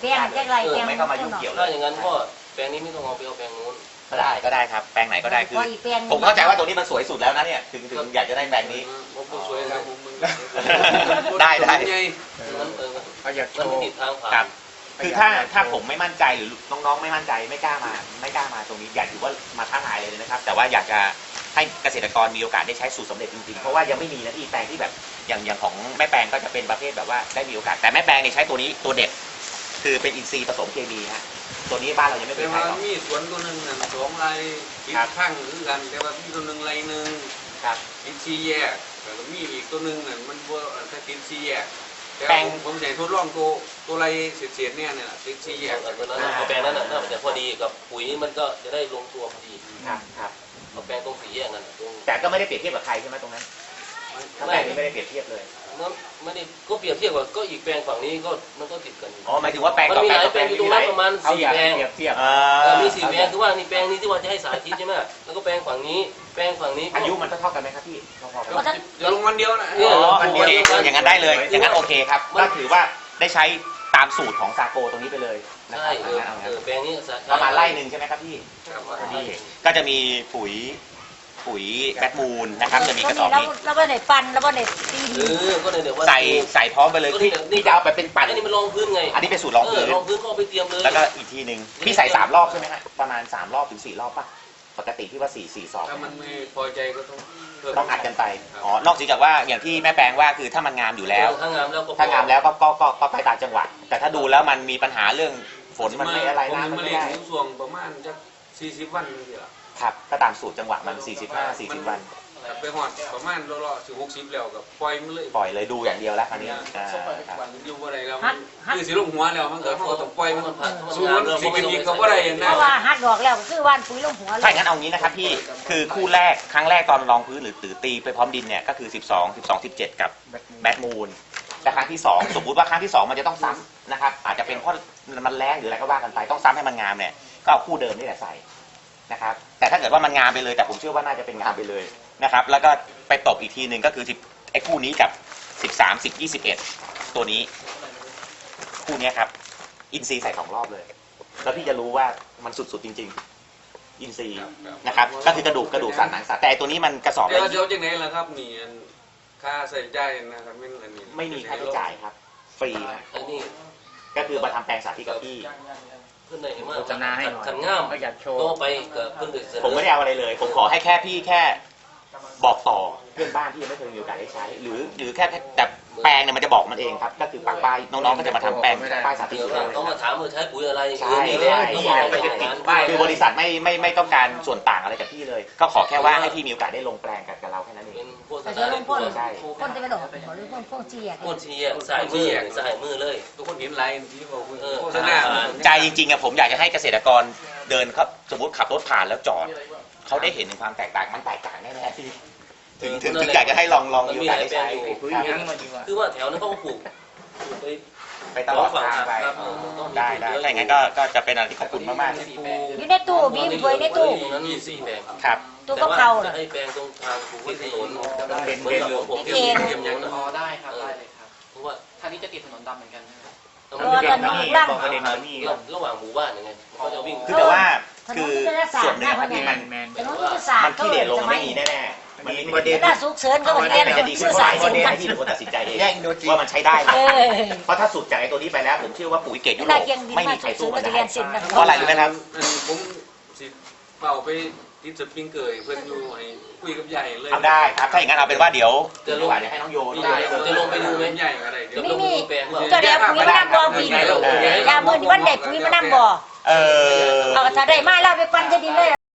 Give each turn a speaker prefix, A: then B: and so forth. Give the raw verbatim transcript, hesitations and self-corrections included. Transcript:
A: แปลงแจ้งไรแปลง
B: ไม่เข้ามายุ่งเกี่ยวเล
C: ถ้าย อย่างนั้นก็แปลงนี้ไม่ต้องเอาไปเอาแปลงนู้น
B: ก็ได้ก็ได้ครับแปลงไหนก็ได้คือผมเข้าใจว่าตัวนี้มันสวยสุดแล้วนะเนี่ยถึงถึงอยากจะได้แปลงนี้
C: ผมสวยนะผมมัน
B: ได้ได้
C: มันเออ
D: เขาอยากโช
C: มันไม่
D: ว์
C: ติดทางผ่า
B: ครั
C: น
B: บคือถ้าถ้าผมไม่มั่นใจหรือน้องๆไม่มั่นใจไม่กล้ามาไม่กล้ามาตรงนี้อยากถือว่ามาท้าทายเลยนะครับแต่ว่าอยากจะให้เกษตรกรมีโอกาสได้ใช้สูตรสำเร็จจริงๆเพราะว่ายังไม่มีนะที่แปลงที่แบบอย่างอย่างของแม่แปลงก็จะเป็นประเภทแบบว่าได้มีโอกาสแต่แม่แปลงเนี่ยใช้ตัวนี้ตัวเด็ดคือเป็นอินทรีย์ผสมเคมีฮะตัวนี้บ้านเรายังไม่เค
E: แต่
B: ยใช้
E: ว่า
B: หรอก
E: มีสวนตัวหนึ่งน่ะสองไรติดข้างหรือกันแต่ว่ามีตัวหนึ่งไรหนึ่ง
B: ครับ
E: ติดซีแยกแล้วก็มีอีกตัวหนึ่งน่ะมันว่าถ้าติดซีแยกแต่
B: แปลง
E: ผมจะทดลองตัวตัวไรเสียดๆเนี่ยเนี่ยติดซีแยก
C: เอาตัวนั้นเอาแปลงนั้นน่ะน่าจะพอดีกับปุ๋ยมันก็จะได้ลงตัวพอดี
B: ครับครับ
C: เอาแปลงตรงสีแยกนั่นตรง
B: แต่ก็ไม่ได้เปรียบเทียบกับใครใช่ไหมตรงนั้นถ้าแปลงนี้ไม่ได้เปรียบเทียบเลย
C: นั้นไม่ได้ก็เปรียบเทียบกับก็อีกแปลงฝั่งนี้ก็มันก็ติดกัน
B: อ๋อหมายถึงว่าแปลง
C: มัน
B: ต่อ
C: มี
B: แปล
C: ห
B: ง
C: ลาย
B: ต่อ
C: แป
B: แป
C: ล
B: ล
C: ง
B: ง
C: อยู่ตรง
B: มีห
C: นั้
B: ลาน ย
C: ประมาณ
D: เขา
C: สี่
D: อยาก
C: แปลง
D: เปรียบเทียบ
B: เอ่
C: เอ
B: อ
C: อมีสี่แปลงคือว่านี่แปลงนี้ที่ว่าจะให้สาธิตใช่ไหมแล้วก็แปลงฝั่งนี้แปลงฝั่งนี้
B: อายุมันเท่าๆกันไหมครับพี่พอๆกัน
E: เดี๋ยวลงวันเดียวนะ
B: อ๋อโอเคอย่างนั้นได้เลยอย่างนั้นโอเคครับก็ถือว่าได้ใช้ตามสูตรของซาโกตรงนี้ไปเลยนะค
C: ใช่
B: รับ
C: เออ
B: เอางั้น
C: เอ
B: เอา
C: อ
B: งั้น
C: แปลงนี้
B: ประมาณไร่หนึ่งใช่ไหมครับพี่
E: ครับ
B: นี่ก็จะมีปุ๋ยปุ๋ยแบทมูลนะครับจะมีกระสอบ
A: แล้ว
B: นี้
A: แล้วว่าไหนปันแล้วว่าไหนตี
C: เออก็เลยเดี๋ยวว่า
B: ใส่ใส่พร้อมไปเลยพี่นี่จะเอาไปเป็นปั่น
C: อันนี้มันรองพื้นไง
B: อันนี้เป็นสูตรรองพื้น
C: รองพื้นก็เอาไปเตรียมเลย
B: แล้วก็อีกทีหนึ่งพี่ใส่สามรอบใช่ไหมฮะประมาณสามรอบถึงสี่รอบป่ะปกติที่ว่าสี่สี่สอง
E: ถ้ามันไม่พอใจก็ต้องเพิ่ม
B: ต้องอัดกันไปอ๋อนอกจากว่าอย่างที่แม่แปลงว่าคือถ้ามันงามอยู่แล้ว
C: ถ้างามแล้วก็
B: ถ้างามแล้วก็ก็ก็ก็ไปตามจังหวะแต่ถ้าดูแล้วมันมีปัญหาเรื่องฝนมันไม่อะไร
E: ผม
B: น้ำมัน
E: มา
B: ไม่
E: เลี้ยง
B: ได้
E: นิ้วส่วงประมาณจะสี่สิบวันนี่แหละ
B: ครับก็ตามสูตรจังหวะมันสี่สิบห้า สี่สิบวัน
E: ไปหอดประมาณรอๆถึงหกสิบแล้วกับปล่อยมันเลย
B: ปล่อยเลยดูอย่างเดียวแล้วคราวนี้อ่าครับ
E: อยู่บ่ได้แล้วมันคือสิลงหัวแล้วมันก็เขาก็ต้องปล่อยมัน
C: ผ่าน
E: สูงมันสิเป็นอีกก็บ่ได้อย่าง
A: เพ
E: นั้น
A: ราะว่าฮัดดอกแล้วก็คือว่านปุ๋ยลงหัวเล
B: ถ้าย อย่างนั้นเอางี้นะครับพี่คือคู่แรกครั้งแรกตอนรองพื้นหรือตือตีไปพร้อมดินเนี่ยก็คือสิบสอง สิบสอง สิบเจ็ดกับแบทมูลแต่ครั้งที่สองสมมุติว่าครั้งที่สองมันจะต้องซ้ำนะครับอาจจะเป็นเพราะมันแรงหรืออะไรก็ว่ากันไปต้องซ้ำให้มันงามเนี่ยก็เอาคู่เดิมนี่แหละใส่นะครับแต่ถ้าเกิดว่ามันงามไปเลยแต่ผมเชื่อว่าน่าจะเป็นงามไปเลยนะครับแล้วก็ไปตบอีกทีหนึ่งก็คือไอ้คู่นี้กับสิบสาม สิบ ยี่สิบเอ็ดตัวนี้คู่นี้ครับอินซีใส่สองรอบเลย แล้วพี่จะรู้ว่ามันสุดๆจริงๆอินซีนะครับก็คือกระดูกกระดูกสันหนังสันแต่ตัวนี้มันกระสอบ
E: เดี๋ยว
B: ละ
E: เดี๋ยวจังไหนล่ะครับนี่ค่าใส่ใจนะครับไม่อันนี้
B: ไม่มีค่าใช้จ่ายครับฟรีนะ
C: ไอ้นี่
B: ก็คือมาทำแปลงสาธิตกับพี่
C: เพื่อนไหนมา
D: โฆษณาให้หน่อย
C: ขันงาม
D: เขาอยากโชว์
C: ก็ไปกับเพื่อนเด็กเสนอ
B: ผมไม่ได้เอาอะไรเลย ผมขอให้แค่พี่แค่บอกต่อเพื่อนบ้านที่ยังไม่เคยมีโอกาสได้ใช้ หรือหรือแค่แต่แปลงเนี่ยมันจะบอกมันเองครับก็คือปักป้ายน้องๆก็จะมาทำแปลงป้ายสาธิต
C: เดี๋ยว
B: อยู่แล้ว
C: ต้องมาถามว่าใช้ปุ๋ยอะไร
B: ใช่
C: นี่แหละ
B: ใช่
C: ต้อง
B: ใช่
C: บอกไปอย่างนั้น
B: คือบริษัทไม่ไม่ไม่ต้องการส่วนต่างอะไรจากพี่เลย ก็ขอแค่ว่าให้พี่มีโอกาสได้ลงแปลงกับกับเราแค่นั้นเอ
C: เป็
B: ง
C: นโฆษ
A: แต่
C: ณา
A: เดี๋ยวลงพ่น
B: ใช่
A: พ่นจะไม่ดอกหรือพ่นพ่นเจียก
C: โฆษณาสายมือสายมือเลย
E: ทุกคนเห็นไลน์ที่บอก
C: เออ
E: โฆษณา
B: ใจจริงๆอะผมอยากจะให้เกษตรกรเดินครับสมมติขับรถผ่านแล้วจอดเขาได้เห็นถึงความแตกต่างมันแตกต่างแน่ๆพี่ถึงถึงถึงอยากจะให้ลองลองมีโอกาสได้ใช้
D: คุย
B: ครับ
D: ทั้งมาดีกว่า
C: คือว่าแถวนั้นเขาก็ปลูกปลูกไป
B: ไปตลอดทางไป
C: ครับ
B: ได้ได้ถ้าอย่างนั้นก็ก็จะเป็นอะไรที่ขอบคุณมากๆ
A: อยู่ในตู้บีมถ้วยในตู้
C: ตรงนั้นมีสี่แปลง
B: ครับ
A: ตู้ก็เขา
C: จะ
A: น่ะ
C: ให้แปลงตรงทางปลูกไว้ถนน
B: เป็น
C: เหมือนกับของผม
A: เป็น
C: ที่
A: เกณฑ์
C: เตรียมอย่างนั้น
F: อ๋อได้ครับได้เลยครับ
C: เพราะว่า
F: ทางนี้จะติดถนนดำเหมือนกันใช่ไหม
A: ตัวตอนนี้ร่าง
B: ประเด็นมันนี่
C: ระหว่างหมู่บ้านยังไงเขาจะวิ่ง
B: คือแต่ว่า
A: ถน
B: คื
A: น
B: อ
A: ยุทธศาส
B: ส่
A: ต
B: วน
A: ร์
B: หนึ่
A: นะ
B: ง
A: คน
B: ที่
A: นี้
B: มัน
D: แมน
A: ถนนยุทธศาสต
B: มัน
A: ร์
B: ขี้เหร่ลง
A: ส
B: ไม่
A: มัย
B: มีแน่ๆมันมีประเด็น
A: ถ้าสุกเสริญก็เหมือนกัน
B: มันจะดีขึ้น
A: สาย
B: ประเด็น
A: กั
B: ให้พี่เป็นคนตัดสินใจเอง
D: แย่งโดนจี
B: ว่ามันใช้ได้ไหม
A: เออ
B: เพราะถ้าสุดจากไอ้ตัวนี้ไปแล้วผมเชื่อว่าปุ๋ยเกรดยุโร
A: ได้
B: ป
A: เกียงดี
B: ไม่
A: มา
B: มี
A: ก
B: ใคร
A: สุ
B: สู้
A: ด
B: มัน
A: จะ
B: ได้
A: เรียนสินนะ
B: เพราะอะไรรู้ไหมครับ
E: ผมสิเป่าไปติดสปริงเกอร์เพื่อนอยู่ให้คุยกับใหญ่เลย
B: เอาได้ครับถ้าอย่างนั้นเอาเป็นว่าเดี๋ยวจะลงเดี๋ยวให้น้องโย
E: ได้
B: ด้วย
E: จะลงไปดูไหมใหญ่อะไรเดี๋ยว
A: ไม่มี
C: แปลงว่า
A: เจ้าเดียวปุ๋ยมะนาวบ่พี่ยามือนี่วันเด็ดปุ๋ยมะนาวบ่
B: เออ
A: เอาถ้าได้มาแล้วไปปั้นจะดีเลย